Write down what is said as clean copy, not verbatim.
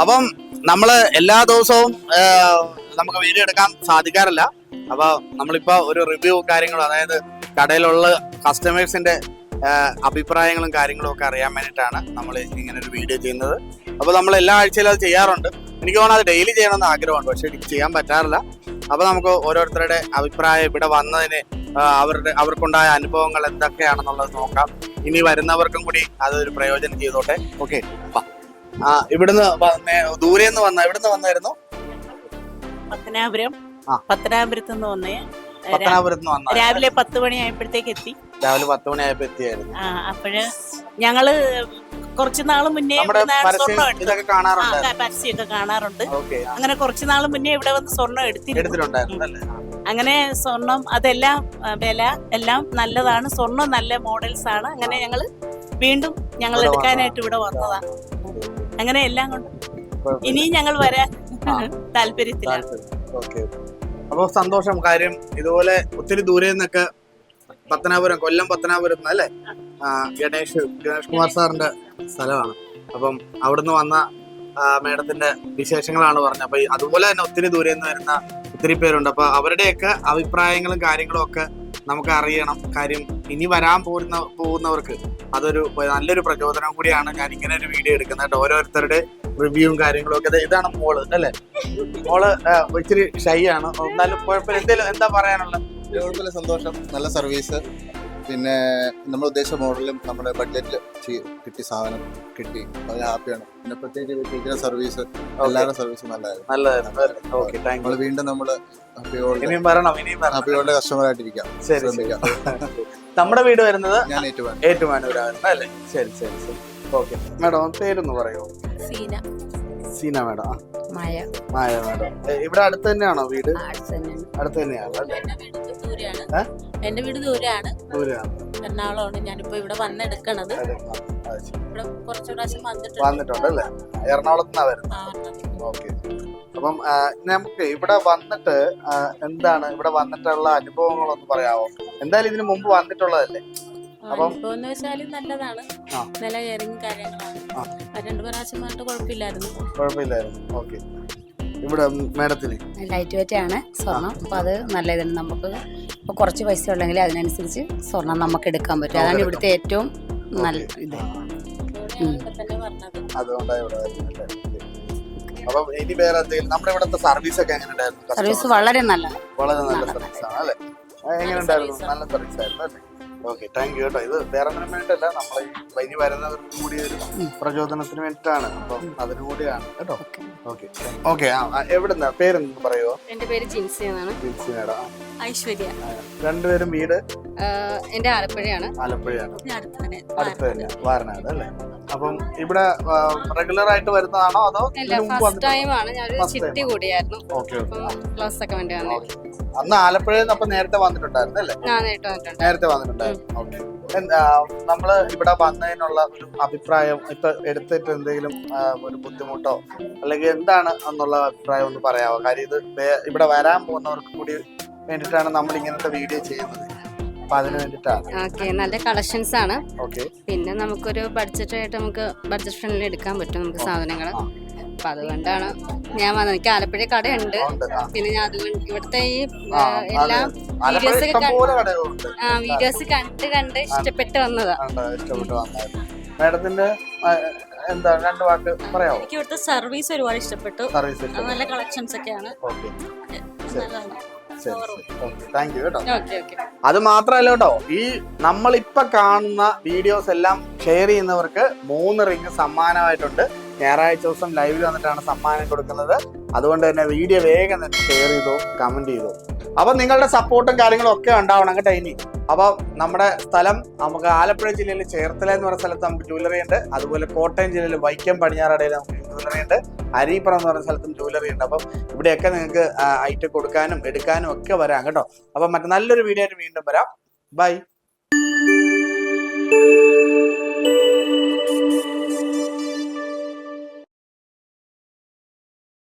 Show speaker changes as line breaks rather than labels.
അപ്പം നമ്മള് എല്ലാ ദിവസവും നമുക്ക് വീഡിയോ എടുക്കാൻ സാധിക്കാറില്ല. അപ്പൊ നമ്മളിപ്പോ ഒരു റിവ്യൂ കാര്യങ്ങളും, അതായത് കടയിലുള്ള കസ്റ്റമേഴ്സിന്റെ അഭിപ്രായങ്ങളും കാര്യങ്ങളും ഒക്കെ അറിയാൻ വേണ്ടിയിട്ടാണ് നമ്മൾ ഇങ്ങനെ ഒരു വീഡിയോ ചെയ്യുന്നത്. അപ്പൊ നമ്മൾ എല്ലാ ആഴ്ചയിലും അത് ചെയ്യാറുണ്ട്. എനിക്ക് തോന്നുന്നു അത് ഡെയിലി ചെയ്യണമെന്ന് ആഗ്രഹമുണ്ട്, പക്ഷെ എനിക്ക് ചെയ്യാൻ പറ്റാറില്ല. അപ്പൊ നമുക്ക് ഓരോരുത്തരുടെ അഭിപ്രായം, ഇവിടെ വന്നതിന് അവർക്കുണ്ടായ അനുഭവങ്ങൾ എന്തൊക്കെയാണെന്നുള്ളത് നോക്കാം. ഇനി വരുന്നവർക്കും കൂടി അതൊരു പ്രയോജനം ചെയ്തോട്ടെ. ഓക്കെ, ഇവിടുന്ന് ദൂരെന്ന് ഇവിടുന്ന് വന്നായിരുന്നു
പത്തനാപുരത്ത് നിന്ന് വന്നേ.
പത്തനാപുരത്ത് നിന്ന് വന്ന
രാവിലെ 10 മണിയായപ്പോഴത്തേക്ക് എത്തി.
രാവിലെ 10 മണിയായപ്പോ എത്തിയായിരുന്നു.
അപ്പോഴ് ഞങ്ങള് കുറച്ചു നാള് മുന്നേ
ഇതൊക്കെ കാണാറുണ്ട്,
പരസ്യമൊക്കെ കാണാറുണ്ട്. അങ്ങനെ കുറച്ചു നാള് മുന്നേ ഇവിടെ വന്ന് സ്വർണം എടുത്തിട്ടുണ്ടായിരുന്നു. അങ്ങനെ സ്വർണം അതെല്ലാം വില എല്ലാം നല്ലതാണ്. സ്വർണം നല്ല മോഡൽസ് ആണ്. അങ്ങനെ ഞങ്ങള് വീണ്ടും ഞങ്ങൾ എടുക്കാനായിട്ട് ഇവിടെ വന്നതാണ്. അങ്ങനെ എല്ലാം കൊണ്ട് ഇനിയും ഞങ്ങൾ വരാൻ താല്പര്യത്തിലാണ്.
അപ്പൊ സന്തോഷം. കാര്യം ഇതുപോലെ ഒത്തിരി ദൂരെ നിന്നൊക്കെ കൊല്ലം പത്തനാപുരം അല്ലേ, ഗണേഷ് കുമാർ സാറിന്റെ സ്ഥലമാണ്. അപ്പം അവിടുന്ന് വന്ന മേഡത്തിന്റെ വിശേഷങ്ങളാണ് പറഞ്ഞത്. അപ്പൊ അതുപോലെ തന്നെ ഒത്തിരി ദൂരെ നിന്ന് വരുന്ന ഒത്തിരി പേരുണ്ട്. അപ്പൊ അവരുടെയൊക്കെ അഭിപ്രായങ്ങളും കാര്യങ്ങളും ഒക്കെ നമുക്ക് അറിയണം. കാര്യം ഇനി വരാൻ പോകുന്നവർക്ക് അതൊരു നല്ലൊരു പ്രചോദനം കൂടിയാണ് ഞാൻ ഇങ്ങനെ ഒരു വീഡിയോ എടുക്കുന്നത്. ഓരോരുത്തരുടെ റിവ്യൂവും കാര്യങ്ങളും ഒക്കെ. ഇതാണ് മോള് അല്ലേ? മോള് ഇച്ചിരി ഷൈ ആണ്, എന്നാലും കുഴപ്പമില്ല. എന്തേലും എന്താ പറയാനുള്ളത്?
കുഴപ്പമില്ല, സന്തോഷം. നല്ല സർവീസ്, പിന്നെ നമ്മൾ ഉദ്ദേശിച്ച മോഡലും നമ്മുടെ ബഡ്ജറ്റിൽ കിട്ടി, സാധനം കിട്ടി, വളരെ ഹാപ്പിയാണ്. പിന്നെ പ്രത്യേകിച്ച് സർവീസ്, എല്ലാവരുടെ സർവീസും നല്ലതായിരുന്നു. വീണ്ടും നമ്മള് ഹാപ്പിയോടെ കസ്റ്റമർ ആയിട്ടിരിക്കാം.
നമ്മുടെ വീട് വരുന്നത്
ഞാൻ
ഏറ്റുമാനൂരാണ് അല്ലേ? ശരി ശരി ശരി. ഓക്കെ മാഡം, പേരൊന്ന് പറയോ? സീന മാഡം. മായ മാഡം, ഇവിടെ അടുത്ത് തന്നെയാണോ വീട്? അടുത്ത് തന്നെയാണ്.
എന്റെ വീട് ദൂരെയാണ്, എറണാകുളമാണ്. ഞാനിപ്പോ ഇവിടെ വന്നെടുക്കണത്. ഇവിടെ കുറച്ചു പ്രാവശ്യം
വന്നിട്ടുണ്ട് അല്ലേ? എറണാകുളത്തുനിന്നാ വരുന്നത്. ഓക്കെ. അപ്പം നമുക്ക് ഇവിടെ വന്നിട്ട് എന്താണ് ഇവിടെ വന്നിട്ടുള്ള അനുഭവങ്ങളൊന്ന് പറയാമോ? എന്തായാലും ഇതിനു മുമ്പ് വന്നിട്ടുള്ളതല്ലേ?
അനുഭവം വെച്ചാല് നല്ലതാണ്, നല്ല കെയറിങ് കാര്യങ്ങളാണ്. 2 പ്രാവശ്യം വന്നിട്ട് കുഴപ്പമില്ലായിരുന്നു.
ഓക്കെ. ഇവിടെ മേഡത്തിന്
ലൈറ്റ് വെയിറ്റ് ആണ് സ്വർണം. അപ്പൊ അത് നല്ല ഇതാണ്. നമുക്ക് ഇപ്പൊ കുറച്ച് പൈസ ഉള്ളെങ്കിൽ അതിനനുസരിച്ച് സ്വർണം നമുക്ക് എടുക്കാൻ പറ്റും. അതാണ് ഇവിടുത്തെ ഏറ്റവും നല്ല ഇത്. സർവീസ് വളരെ നല്ല
സർവീസ് ആണ് അല്ലേ? എങ്ങനെ ഉണ്ടായിരുന്നു? നല്ല സർവീസ് ആയിരുന്നു അല്ലേ? ഓക്കെ, താങ്ക് യു കേട്ടോ. ഇത് വേറെ ഒന്നിനും വേണ്ടിയിട്ടല്ല, നമ്മൾ ഇനി വരുന്നവർക്കും കൂടി ഒരു പ്രചോദനത്തിന് വേണ്ടിയിട്ടാണ്. അപ്പം അതിനു കൂടിയാണ് കേട്ടോ. Okay okay. എവിടുന്ന പേരെന്ന് പറയുമോ?
എന്റെ പേര് ജിൻസി എന്നാണ്.
ജിൻസി മേഡം.
ഐശ്വര്യ.
രണ്ടുപേരും വീട്?
എന്റെ ആലപ്പുഴയാണ്.
അടുത്ത് തന്നെ, വാരണാട് അല്ലേ? അപ്പം ഇവിടെ റെഗുലർ ആയിട്ട് വരുന്നതാണോ അതോ?
ഫസ്റ്റ് ടൈം ആണ്. ഞാനൊരു ചിട്ടി കൂടിയായിരുന്നു. ക്ലാസ് ഒക്കെ വേണ്ടി വന്നു.
അന്ന് ആലപ്പുഴയിൽ നിന്ന് നേരത്തെ വന്നിട്ടുണ്ടായിരുന്നു അല്ലേ? നേരത്തെ വന്നിട്ടുണ്ടായിരുന്നു. ഓക്കെ. നമ്മള് ഇവിടെ വന്നതിനുള്ള ഒരു അഭിപ്രായം, ഇപ്പൊ എടുത്തിട്ട് എന്തെങ്കിലും ഒരു ബുദ്ധിമുട്ടോ അല്ലെങ്കിൽ എന്താണ് എന്നുള്ള അഭിപ്രായം ഒന്ന് പറയാമോ? കാര്യം ഇത് ഇവിടെ വരാൻ പോകുന്നവർക്ക് കൂടി വേണ്ടിയിട്ടാണ് നമ്മൾ ഇങ്ങനത്തെ വീഡിയോ ചെയ്യുന്നത്. അപ്പൊ അതിന് വേണ്ടിയിട്ടാണ്.
ഓക്കെ, നല്ല കളക്ഷൻസ് ആണ്.
ഓക്കെ.
പിന്നെ നമുക്കൊരു ബഡ്ജറ്റ് ആയിട്ട് നമുക്ക് ബഡ്ജറ്റ് ഫ്രണ്ട്ലി എടുക്കാൻ പറ്റും നമുക്ക് സാധനങ്ങള്. അപ്പൊ അതുകൊണ്ടാണ് ഞാൻ വന്നത്. എനിക്ക് ആലപ്പുഴ കടയുണ്ട്. പിന്നെ ഞാൻ അതുകൊണ്ട് ഇവിടുത്തെ ഈ എല്ലാം വീഡിയോസ് കണ്ട് ഇഷ്ടപ്പെട്ട് വന്നതാ.
മാഡത്തിന്റെ എന്താ 2 വാക്ക് പറയാമോ?
എനിക്ക് ഇവിടുത്തെ സർവീസ് ഒരുപാട് ഇഷ്ടപ്പെട്ടു. നല്ല കളക്ഷൻസ് ഒക്കെയാണ്.
താങ്ക് യു കേട്ടോ. അത് മാത്രല്ല കേട്ടോ, ഈ നമ്മളിപ്പൊ കാണുന്ന വീഡിയോസ് എല്ലാം ഷെയർ ചെയ്യുന്നവർക്ക് 3 റിംഗ് സമ്മാനമായിട്ടുണ്ട്. ഞായറാഴ്ച ദിവസം ലൈവിൽ വന്നിട്ടാണ് സമ്മാനം കൊടുക്കുന്നത്. അതുകൊണ്ട് തന്നെ വീഡിയോ വേഗം തന്നെ ഷെയർ ചെയ്തോ, കമന്റ് ചെയ്തോ. അപ്പൊ നിങ്ങളുടെ സപ്പോർട്ടും കാര്യങ്ങളും ഒക്കെ ഉണ്ടാവണം കേട്ടോ. ഇനി അപ്പൊ നമ്മുടെ സ്ഥലം നമുക്ക് ആലപ്പുഴ ജില്ലയിൽ ചേർത്തല എന്ന് പറയുന്ന സ്ഥലത്ത് നമുക്ക് ജ്വല്ലറി ഉണ്ട്. അതുപോലെ കോട്ടയം ജില്ലയിൽ വൈക്കം പടിഞ്ഞാറടയിൽ നമുക്ക് ജ്വല്ലറി ഉണ്ട്. അരീപ്പുറം എന്ന് പറയുന്ന സ്ഥലത്തും ജ്വല്ലറി ഉണ്ട്. അപ്പം ഇവിടെയൊക്കെ നിങ്ങൾക്ക് ഐറ്റം കൊടുക്കാനും എടുക്കാനും ഒക്കെ വരാം കേട്ടോ. അപ്പം മറ്റു നല്ലൊരു വീഡിയോ ആയിട്ട് വീണ്ടും വരാം. ബൈ.